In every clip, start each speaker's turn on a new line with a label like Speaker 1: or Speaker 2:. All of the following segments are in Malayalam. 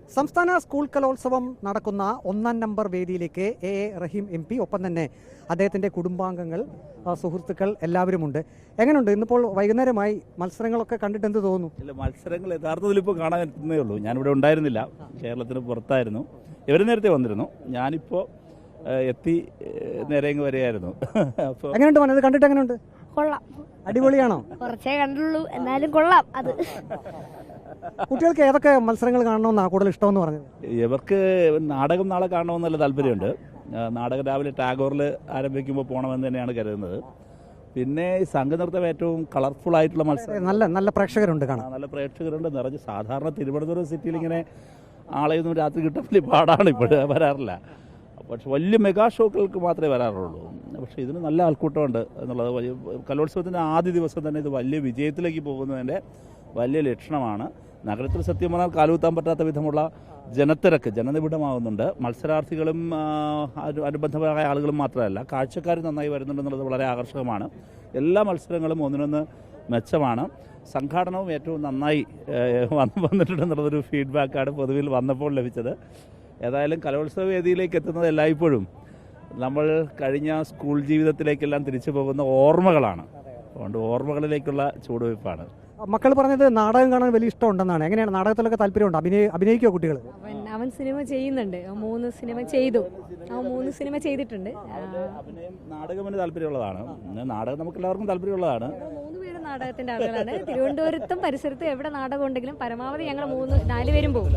Speaker 1: സംസ്ഥാന സ്കൂൾ കലോത്സവം നടക്കുന്ന 1-ാം നമ്പർ വേദിയിലേക്ക് എ റഹീം MP, ഒപ്പം തന്നെ അദ്ദേഹത്തിൻ്റെ കുടുംബാംഗങ്ങൾ, സുഹൃത്തുക്കൾ എല്ലാവരുമുണ്ട്. എങ്ങനെയുണ്ട്? ഇന്നിപ്പോൾ വൈകുന്നേരമായി മത്സരങ്ങളൊക്കെ കണ്ടിട്ട് എന്ത് തോന്നുന്നു?
Speaker 2: ഇല്ല, മത്സരങ്ങൾ യഥാർത്ഥത്തിൽ ഇപ്പോൾ കാണാൻ എത്തുന്നേ ഉള്ളൂ. ഞാനിവിടെ ഉണ്ടായിരുന്നില്ല, കേരളത്തിന് പുറത്തായിരുന്നു. ഇവർ നേരത്തെ വന്നിരുന്നു, ഞാനിപ്പോൾ എത്തി നേരെ ഇങ്ങ് വരികയായിരുന്നു. അപ്പോൾ
Speaker 1: എങ്ങനെയുണ്ട് മനത്? കണ്ടിട്ട് എങ്ങനെയുണ്ട്?
Speaker 3: കൊള്ളാം,
Speaker 1: അടിപൊളിയാണോ?
Speaker 3: കുറച്ചേ കണ്ടുള്ളൂ, എന്നാലും കൊള്ളാം. അത്
Speaker 1: കുട്ടികൾക്ക് ഏതൊക്കെ മത്സരങ്ങൾ കാണണമെന്നാണ് കൂടുതൽ ഇഷ്ടമെന്ന് പറഞ്ഞത്?
Speaker 2: ഇവർക്ക് നാടകം നാളെ കാണണമെന്നുള്ള താല്പര്യമുണ്ട്. നാടകം രാവിലെ ടാഗോറിൽ ആരംഭിക്കുമ്പോൾ പോകണമെന്ന് തന്നെയാണ് കരുതുന്നത്. പിന്നെ ഈ സംഘനൃത്തം ഏറ്റവും കളർഫുൾ ആയിട്ടുള്ള മത്സരം.
Speaker 1: നല്ല പ്രേക്ഷകരുണ്ട് കാണാൻ.
Speaker 2: നല്ല പ്രേക്ഷകരുണ്ട് നിറഞ്ഞ്. സാധാരണ തിരുവനന്തപുരം സിറ്റിയിൽ ഇങ്ങനെ ആളെയൊന്നും രാത്രി കിട്ടാൻ വലിയ പാടാണ്, ഇപ്പോഴും വരാറില്ല. പക്ഷെ വലിയ മെഗാ ഷോകൾക്ക് മാത്രമേ വരാറുള്ളൂ. പക്ഷേ ഇതിന് നല്ല ആൾക്കൂട്ടമുണ്ട് എന്നുള്ളത് കലോത്സവത്തിൻ്റെ ആദ്യ ദിവസം തന്നെ ഇത് വലിയ വിജയത്തിലേക്ക് പോകുന്നതിൻ്റെ വലിയ ലക്ഷണമാണ്. നഗരത്തിൽ സത്യം പറഞ്ഞാൽ കാലുകുത്താൻ പറ്റാത്ത വിധമുള്ള ജനത്തിരക്ക്, ജനനിബിഡമാകുന്നുണ്ട്. മത്സരാർത്ഥികളും അനുബന്ധമായ ആളുകളും മാത്രമല്ല, കാഴ്ചക്കാർ നന്നായി വരുന്നുണ്ടെന്നുള്ളത് വളരെ ആകർഷകമാണ്. എല്ലാ മത്സരങ്ങളും ഒന്നിനൊന്ന് മെച്ചമാണ്. സംഘാടനവും ഏറ്റവും നന്നായി വന്നിട്ടുണ്ടെന്നുള്ളതൊരു ഫീഡ്ബാക്കാണ് പൊതുവിൽ വന്നപ്പോൾ ലഭിച്ചത്. ഏതായാലും കലോത്സവ വേദിയിലേക്ക് എത്തുന്നത് എല്ലായ്പ്പോഴും നമ്മൾ കഴിഞ്ഞ സ്കൂൾ ജീവിതത്തിലേക്കെല്ലാം തിരിച്ചു പോകുന്ന ഓർമ്മകളാണ്. അതുകൊണ്ട് ഓർമ്മകളിലേക്കുള്ള ചുവടുവയ്പ്പാണ്.
Speaker 1: മക്കൾ പറഞ്ഞത് നാടകം കാണാൻ വലിയ ഇഷ്ടമുണ്ടെന്നാണ്. എങ്ങനെയാണ്? നാടകത്തിലൊക്കെ താല്പര്യമുണ്ട്? അഭിനയിക്കുമോ കുട്ടികൾ?
Speaker 4: അവൻ സിനിമ ചെയ്യുന്നുണ്ട്. 3 സിനിമ ചെയ്തു. 3 സിനിമ ചെയ്തിട്ടുണ്ട്.
Speaker 2: അഭിനയം, നാടകത്തിന് താല്പര്യമുള്ളതാണ്. നാടകം നമുക്ക് എല്ലാവർക്കും താല്പര്യമുള്ളതാണ്.
Speaker 4: 3 പേരും നാടകത്തിന്റെ ആളുകളാണ്. തിരുവനന്തപുരത്തും പരിസരത്തും എവിടെ നാടകം ഉണ്ടെങ്കിലും പരമാവധി ഞങ്ങൾ 4 പേരും പോകും.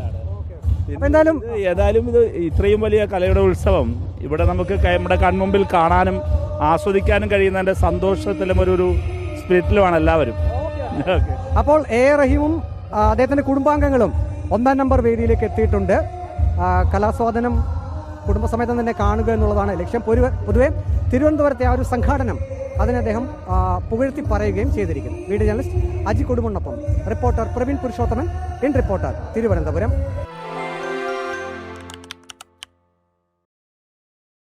Speaker 2: ഏതായാലും ഇത് ഇത്രയും വലിയ കലയുടെ ഉത്സവം ഇവിടെ നമുക്ക് നമ്മുടെ കൺമുമ്പിൽ കാണാനും ആസ്വദിക്കാനും കഴിയുന്നതിന്റെ സന്തോഷത്തിലും ഒരു സ്പിരിറ്റിലുമാണ് എല്ലാവരും.
Speaker 1: അപ്പോൾ എ റഹീമും അദ്ദേഹത്തിന്റെ കുടുംബാംഗങ്ങളും 1-ാം നമ്പർ വേദിയിലേക്ക് എത്തിയിട്ടുണ്ട്. കലാസ്വാദനം കുടുംബസമേതം തന്നെ കാണുക എന്നുള്ളതാണ് ലക്ഷ്യം. പൊതുവെ തിരുവനന്തപുരത്തെ ആ ഒരു സംഘാടനം അതിനെ അദ്ദേഹം പുകഴ്ത്തി പറയുകയും ചെയ്തിരിക്കുന്നു. വീഡിയോ ജേർണലിസ്റ്റ് അജി കൊടുമണ്ണൊപ്പം reporter Praveen Purushothaman, in reporter, Thiruvananthapuram.